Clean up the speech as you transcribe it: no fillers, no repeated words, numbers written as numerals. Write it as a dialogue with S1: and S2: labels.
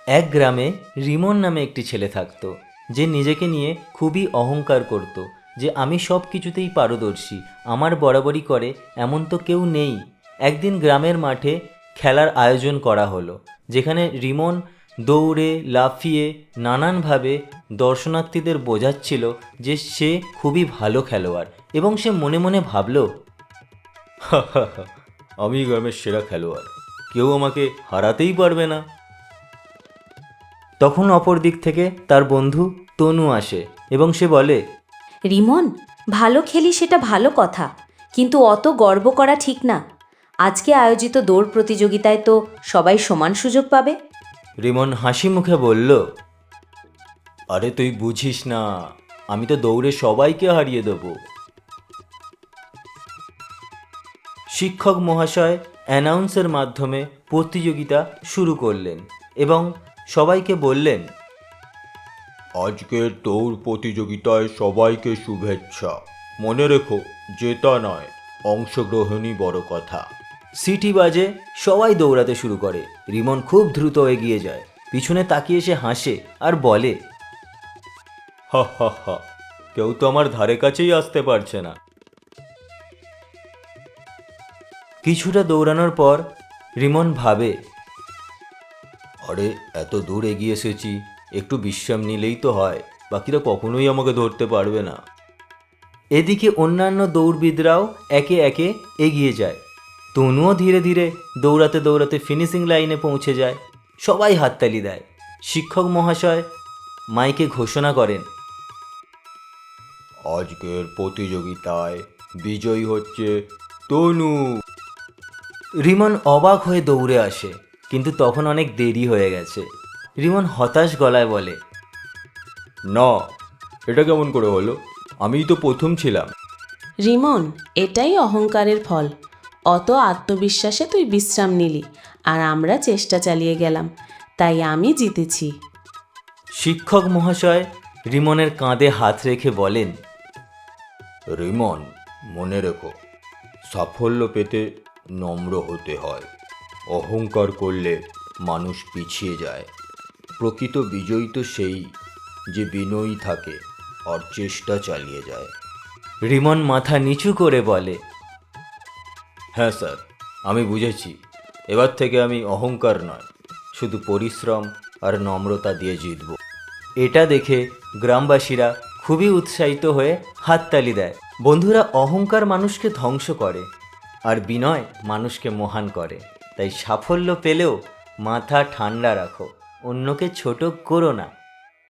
S1: এক গ্রামে রিমন নামে একটি ছেলে থাকতো, যে নিজেকে নিয়ে খুবই অহংকার করত যে আমি সব কিছুতেই পারদর্শী, আমার বরাবরই করে এমন তো কেউ নেই। একদিন গ্রামের মাঠে খেলার আয়োজন করা হলো, যেখানে রিমন দৌড়ে লাফিয়ে নানানভাবে দর্শনার্থীদের বোঝাচ্ছিল যে সে খুবই ভালো খেলোয়াড়, এবং সে মনে মনে ভাবল, হা হা হা, আমি গ্রামের সেরা খেলোয়াড়, কেউ আমাকে হারাতেই পারবে না। তখন অপর দিক থেকে তার বন্ধু তনু আসে এবং সে বলে,
S2: রিমন, ভালো খেলি সেটা ভালো কথা, কিন্তু অত গর্ব করা ঠিক না। আজকে আয়োজিত দৌড় প্রতিযোগিতায় তো সবাই সমান সুযোগ পাবে।
S1: রিমন হাসি মুখে বলল, আরে তুই বুঝিস না, আমি তো দৌড়ে সবাইকে হারিয়ে দেব। শিক্ষক মহাশয় অ্যানাউন্সের মাধ্যমে প্রতিযোগিতা শুরু করলেন এবং সবাইকে বললেন, আজকের দৌড় প্রতিযোগিতায় সবাইকে শুভেচ্ছা। মনে রেখো, জেতা নয়, অংশগ্রহণই বড় কথা। সিটি বাজে, সবাই দৌড়াতে শুরু করে। রিমন খুব দ্রুত এগিয়ে যায়, পিছনে তাকিয়ে সে হাসে আর বলে, হা হা হা, কেউ তো আমার ধারে কাছেই আসতে পারছে না। কিছুটা দৌড়ানোর পর রিমন ভাবে, আরে এত দূর এগিয়ে এসেছি, একটু বিশ্রাম নিলেই তো হয়, বাকিরা কখনোই আমাকে ধরতে পারবে না। এদিকে অন্যান্য দৌড়বিদরাও একে একে এগিয়ে যায়। তনুও ধীরে ধীরে দৌড়াতে দৌড়াতে ফিনিশিং লাইনে পৌঁছে যায়। সবাই হাততালি দেয়। শিক্ষক মহাশয় মাইকে ঘোষণা করেন, আজকের প্রতিযোগিতায় বিজয়ী হচ্ছে তনু। রিমন অবাক হয়ে দৌড়ে আসে, কিন্তু তখন অনেক দেরি হয়ে গেছে। রিমন হতাশ গলায় বলে, না, এটা কেমন করে হলো? আমিই তো প্রথম ছিলাম।
S3: রিমন, এটাই অহংকারের ফল। অত আত্মবিশ্বাসে তুই বিশ্রাম নিলি, আর আমরা চেষ্টা চালিয়ে গেলাম, তাই আমি জিতেছি।
S1: শিক্ষক মহাশয় রিমনের কাঁধে হাত রেখে বলেন, রিমন, মনে রেখো, সাফল্য পেতে নম্র হতে হয়। অহংকার করলে মানুষ পিছিয়ে যায়। প্রকৃত বিজয়ী তো সেই যে বিনয়ী থাকে আর চেষ্টা চালিয়ে যায়। রিমন মাথা নিচু করে বলে, হ্যাঁ স্যার, আমি বুঝেছি। এবার থেকে আমি অহংকার নয়, শুধু পরিশ্রম আর নম্রতা দিয়ে জিতব। এটা দেখে গ্রামবাসীরা খুবই উৎসাহিত হয়ে হাততালি দেয়। বন্ধুরা, অহংকার মানুষকে ধ্বংস করে আর বিনয় মানুষকে মহান করে। তাই সাফল্য পেলেও মাথা ঠান্ডা রাখো, অন্যকে ছোট করো না।